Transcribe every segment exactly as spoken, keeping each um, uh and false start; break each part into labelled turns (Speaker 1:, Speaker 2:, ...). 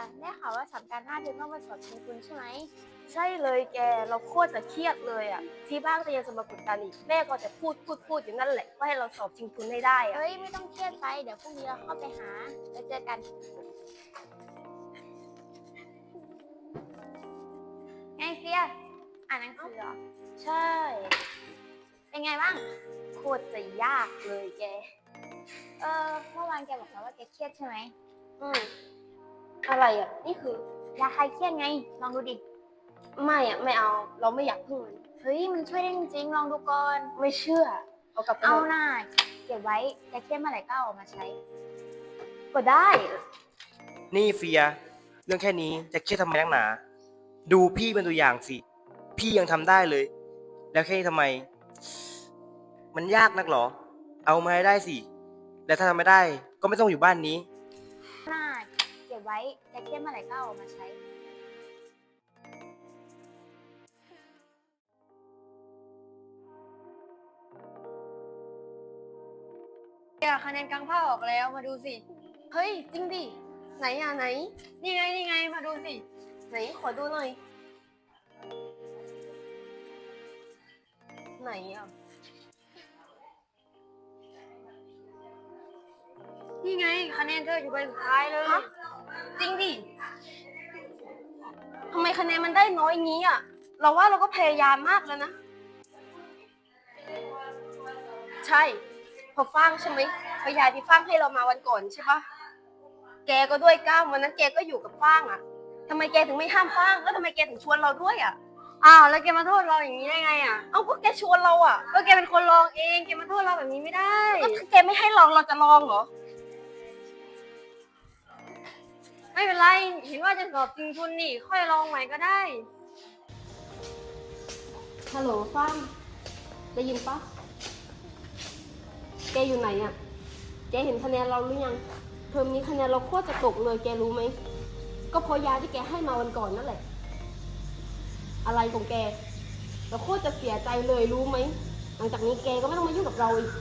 Speaker 1: ได้ข่าวว่าสัปดาห์หน้าเธอต้องมาสอบชิงทุนใช่ไหม
Speaker 2: ใช่เลยแกเราโคตรจะเครียดเลยอ่ะที่บ้านก็ยังจะมากดดันอีกแม่ก็จะพูดพูดพูดอยู่นั่นแหละว่าให้เราสอบชิงทุนให้ได้อ่ะ
Speaker 1: เฮ้ยไม่ต้องเครียดไปเดี๋ยวพรุ่งนี้เราเข้าไปหาแล้วเจอกันไงเฟียอ่านหนังสือเหรอ
Speaker 2: ใช่
Speaker 1: เป็นไงบ้าง
Speaker 2: โคตรจะยากเลยแก
Speaker 1: เออเมื่อวานแกบอกแล้วว่าแกเครียดใช่ไหม
Speaker 2: อืมอะไรอ่ะนี่คือย
Speaker 1: าคลายเครียดไงลองดูดิ
Speaker 2: ไม่อ่ะไม่เอาเราไม่อยากพึ่งมัน
Speaker 1: เฮ้ยมันช่วยได้จริงๆลองดูก่อน
Speaker 2: ไม่เชื่อเอากลับไป
Speaker 1: เอา
Speaker 2: ถะ
Speaker 1: หน่าเก็บไว้แกเครียดเมื่อไหร่ก็เอาออกมาใช้
Speaker 2: ก็ได้
Speaker 3: นี่เฟีย เรื่องแค่นี้จะเครียดทำไมนักหนา ดูพี่เป็นตัวอย่างสิ พี่ยังทำได้เลย แล้วแค่นี้ทำไม มันยากนักหรอ เอามาให้ได้สิ แล้วถ้าทำไม่ได้ก็ไม่ต้องอยู่บ้านนี้
Speaker 1: หน้าเก็บไว้แกเครียดเมื่อไหร่ก็เอาออกมาใช้
Speaker 2: เนี่ยคะแนนกลางภาคออกแล้วมาดูสิ เฮ้ย จริงดิ ไหนอ่ะไหน นี่ไงนี่ไงมาดูสิ ไหนขอดูหน่อย ไหนอ่ะ นี่ไงคะแนนเธออยู่ใบสุดท้ายเลย จริงดิทำไมคะแนนมันได้น้อยงี้อ่ะ เราว่าเราก็พยายามมากแล้วนะ ใช่พอฟ้างใช่ไหมพยาที่ฟ้างให้เรามาวันก่อนใช่ปะแกก็ด้วยก้าววันนั้นแกก็อยู่กับฟ้างอ่ะทำไมแกถึงไม่ห้ามฟ้างแล้วทำไมแกถึงชวนเราด้วยอ่ะอ้าวแล้วแกมาโทษเราอย่างนี้ได้ไงอ่ะเอ้าก็แกชวนเราอ่ะก็แกเป็นคนลองเองแกมาโทษเราแบบนี้ไม่ได้ก็ถ้าแกไม่ให้ลองเราจะลองเหรอไม่เป็นไรเห็นว่าจะสอบจริงทุนนี่ค่อยลองใหม่ก็ได้ฮัลโหลฟ้างได้ยินปะแกอยู่ไหนอ่ะ แกเห็นคะแนนเราหรือยังเทอมนี้คะแนนเราโคตรจะตกเลยแกรู้ไหม ก็เพราะยาที่แกให้มาวันก่อนนั่นแหละ อะไรของแก เราโคตรจะเสียใจเลยรู้ไหม หลังจากนี้แกก็ไม่ต้องมายุ่งกับเราอีก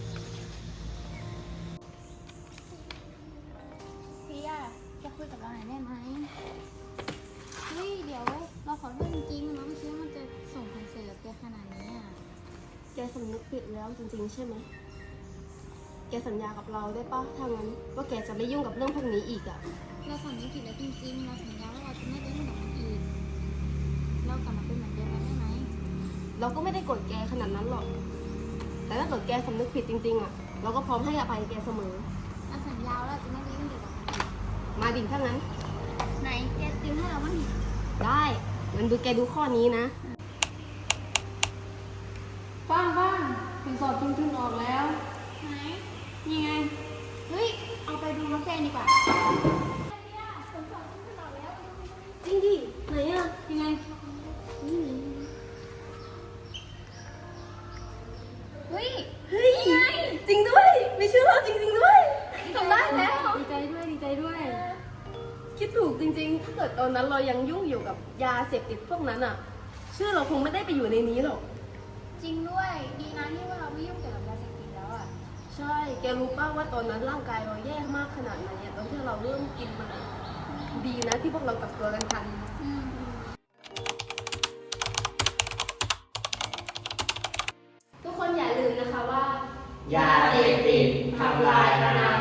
Speaker 1: เฟียแกคุยกับเราหน่อยได้ไหมเฮ้ยเดี๋ยวเราขอโทษจริงๆเราไม่คิดว่ามันจะส่งผลเสียกับแกขนาดนี้อ่ะ
Speaker 2: แกสำนึกผิดแล้วจริงๆใช่ไหม แกสัญญากับเราได้ปะถ้างั้นว่าแกจะไม่ยุ่งกับเรื่องพวกนี้อีกอ่ะ
Speaker 1: เราสำนึกผิดแล้วจริงๆเราสัญญาว่าเราจะไม่ไปยุ่งกับมันอีกเรากลับมาเป็นเหมือนเดิมได้ไหม
Speaker 2: เราก็ไม่ได้โกรธแกขนาดนั้นหรอก แต่ถ้าเกิดแกสำนึกผิดจริงๆอ่ะ เราก็พร้อมให้อภัยแกเสมอ
Speaker 1: เราสัญญาว่าเราจะไม่ไปยุ่งเกี่ยวกับมันอีก
Speaker 2: มาดิถ้างั้น
Speaker 1: ไหนแกติวให้เราบ้างดิ
Speaker 2: ได้งั้นดูแกดูข้อนี้นะฟ้างฟ้างผลสอบจริงๆออกแล้ว
Speaker 1: ไหน
Speaker 2: นี่ไง
Speaker 1: เฮ้ยเอาไปดูน้องแกดีกว่า
Speaker 2: จริงดิ ไหนอ่ะยังไง
Speaker 1: เฮ้ย
Speaker 2: เฮ้ย จริงด้วย มีชื่อเราจริงๆด้วยทำได้แล้ว
Speaker 1: ดีใจด้วยดีใจด้วย
Speaker 2: คิดถูกจริงๆ ถ้าเกิดตอนนั้นเรายังยุ่งอยู่กับยาเสพติดพวกนั้นอ่ะ ชื่อเราคงไม่ได้ไปอยู่ในนี้หรอก
Speaker 1: จริงด้วยดีนะที่ว่าเราไม่ยุ่งเกี่ยวกับยาเสพติดแล้วอ่ะ
Speaker 2: ใช่ แกรู้ป่ะว่าตอนนั้นร่างกายเราแย่มากขนาดไหนอะตอนที่เราเริ่มกินมันอะดีนะที่พวกเรากลับตัวกันทัน
Speaker 1: อืม
Speaker 2: ทุกคนอย่าลืมนะคะว่า
Speaker 4: ยาเสพติดทำลายอนา